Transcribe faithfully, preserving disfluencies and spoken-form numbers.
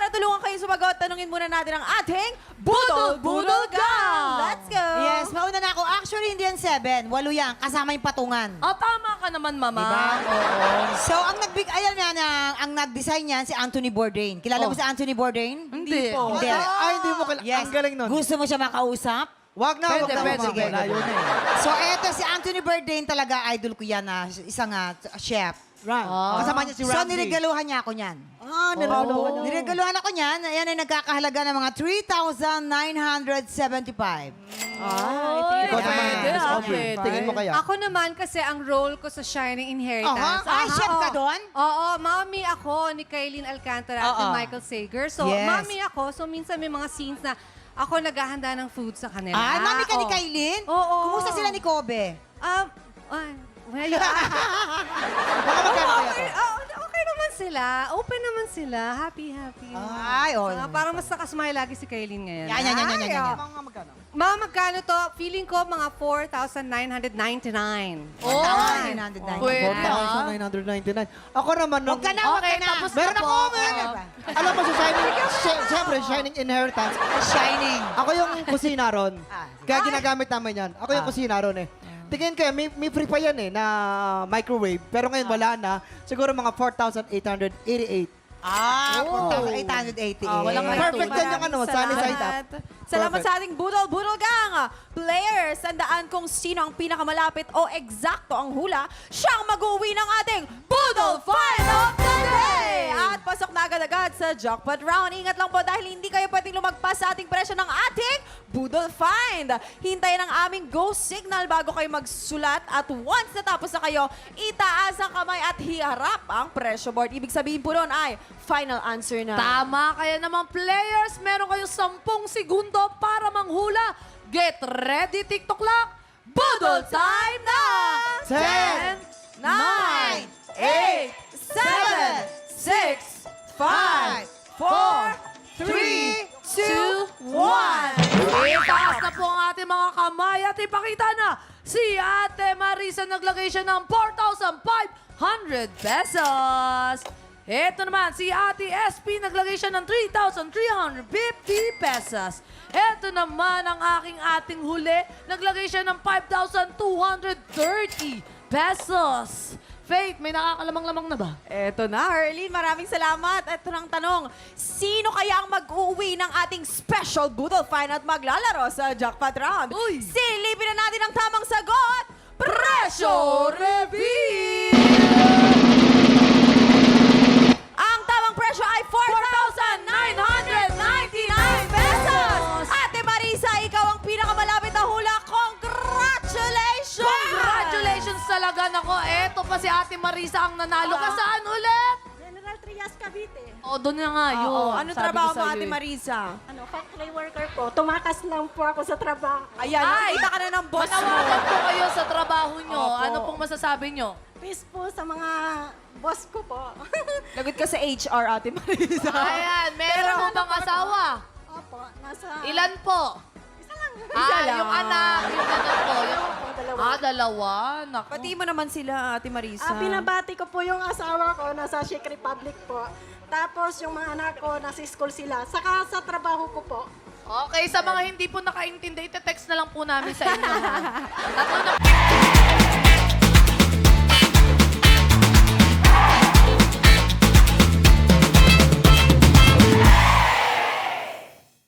para tulungan kayo sumagot, tanungin muna natin ang ating Budol Budol Gang! Let's go! Yes, mauna na ako. Actually, hindi yan seven. Walo yan. Kasama yung patungan. Oh, tama ka naman, mama. Diba? Oo. So, ang nagbig, ayan na, na ang nag-design niyan, si Anthony Bourdain. Kilala mo Oh. si Anthony Bourdain? Hindi. Hindi. Ay, hindi mo kailangan. Yes. Ang galing nun. Gusto mo siya makausap? Wag na, Pwede, wag na. pwede, wag na. sige. Layo na eh. So, eto si Anthony Bourdain talaga, idol ko yan na isang ah, chef. Ram. Ah. Kasama niya si So, Ramsey. niregaluhan niya ako niyan. Ah, niregaluhan niya. Niregaluhan ako niyan. Ayan ay nagkakahalaga ng mga three thousand nine hundred seventy-five. Ay, Ikaw naman, pwede, Miss ah, Aubrey. pwede. Tingin mo kaya? Ako naman kasi ang role ko sa Shining Inheritance. Aha. Ay, Aha, chef ka oo. doon? Oo, mommy ako ni Kailin Alcantara at ni Oo. Michael Sager. So, Yes. mommy ako. So, minsan may mga scenes na ako naghahanda ng food sa kanila. Ay, mami ka ni Oo. Kailin? Oo. Kumusta sila ni Kobe? Um, ay, well, Baka magkano kaya okay, to? oh, okay naman sila. Open naman sila. Happy, happy. Ay, oh. Ah, parang mas nakasmile lagi si Kailin ngayon. Yan, yan, yan, yan, yan, Ay, yan. oh. Mga magkano? Mga magkano to? Feeling ko mga four thousand nine hundred ninety-nine. Oh, nine hundred ninety. Pwede. four thousand nine hundred ninety-nine. Ako naman nung... Huwag ka na, huwag Okay, ka na. tapos Meron na ako, po. meron. Oo. Alam mo, sa Shining, si- siyempre, Shining Inheritance. Shining. Ako yung kusina ron. Ah. Kaya ginagamit namin yan. Ako yung Ah. kusina ron eh. Tingin kayo, may, may free pa yan eh, na microwave. Pero ngayon wala na. Siguro mga four thousand eight hundred eighty-eight. Ah, Oh. four thousand eight hundred eighty-eight. Ah, walang Perfect yan yung ano, sunny side up. Salamat Perfect. sa ating Budol Budol Gang! Players, tandaan kung sino ang pinakamalapit o eksakto ang hula, siyang mag-uwi ng ating Budol Find of the Day! At pasok na agad-agad sa Jackpot Round. Ingat lang po dahil hindi kayo pwedeng lumagpas sa ating presyo ng ating Budol Find. Hintayin ang aming go signal bago kayo magsulat at once natapos na kayo, itaas ang kamay at hiharap ang presyo board. Ibig sabihin po nun ay final answer na. Tama, kaya naman players, meron kayong sampung segundo para manghula. Get ready, TikTok clock! Budol time na! Ten, nine, eight, seven, six, five, four, three, two, one. Itaas na po ang ating mga kamay at ipakita na si Ate Marisa naglagay siya ng four thousand five hundred pesos. Ito naman, si Ate S P naglagay siya ng three thousand three hundred fifty pesos. Ito naman ang aking ating huli, naglagay siya ng five thousand two hundred thirty pesos. Faith, may nakakalamang-lamang na ba? Eto na, Arlene. Maraming salamat. Ito ng tanong, sino kaya ang mag-uwi ng ating special Budol Find at maglalaro sa Jackpot Round? Uy! Silipin na natin ang tamang sagot! Presyo Reveal! Ang tamang presyo ay four thousand nine hundred ninety-nine pesos! Ate Marisa, ikaw ang pinakamalapit na hula. Congratulations! Congratulations talaga, nako. Eto pa si Ate Marisa ang nanalo. Ka saan ulit? General Trias, Cavite. O, doon na nga yun. Oo, ano Sabi trabaho ko mo, sa'yo Ate eh. Marisa? Ano, factory worker po. Tumakas lang po ako sa trabaho. Ayan, Ay! nakita ka na ng boss mo. Manawagan po kayo sa trabaho nyo. Opo. Ano pong masasabi nyo? Peace po sa mga boss ko po. Lagot ka sa H R, Ate Marisa. Ayan, meron mo bang asawa? Opo, nasa... Ilan po? Isa lang. Ah, lang. yung anak, yung anak po. Yung... Opo, dalawa. Ah, dalawa. Naku. Pati mo naman sila, Ate Marisa. Ah, binabati ko po yung asawa ko, nasa Czech Republic po. Tapos yung mga anak ko, nasa school sila. Saka sa trabaho ko po. Okay, sa mga hindi po nakaintindi, ite-text na lang po namin sa inyo. ha? Tatlo na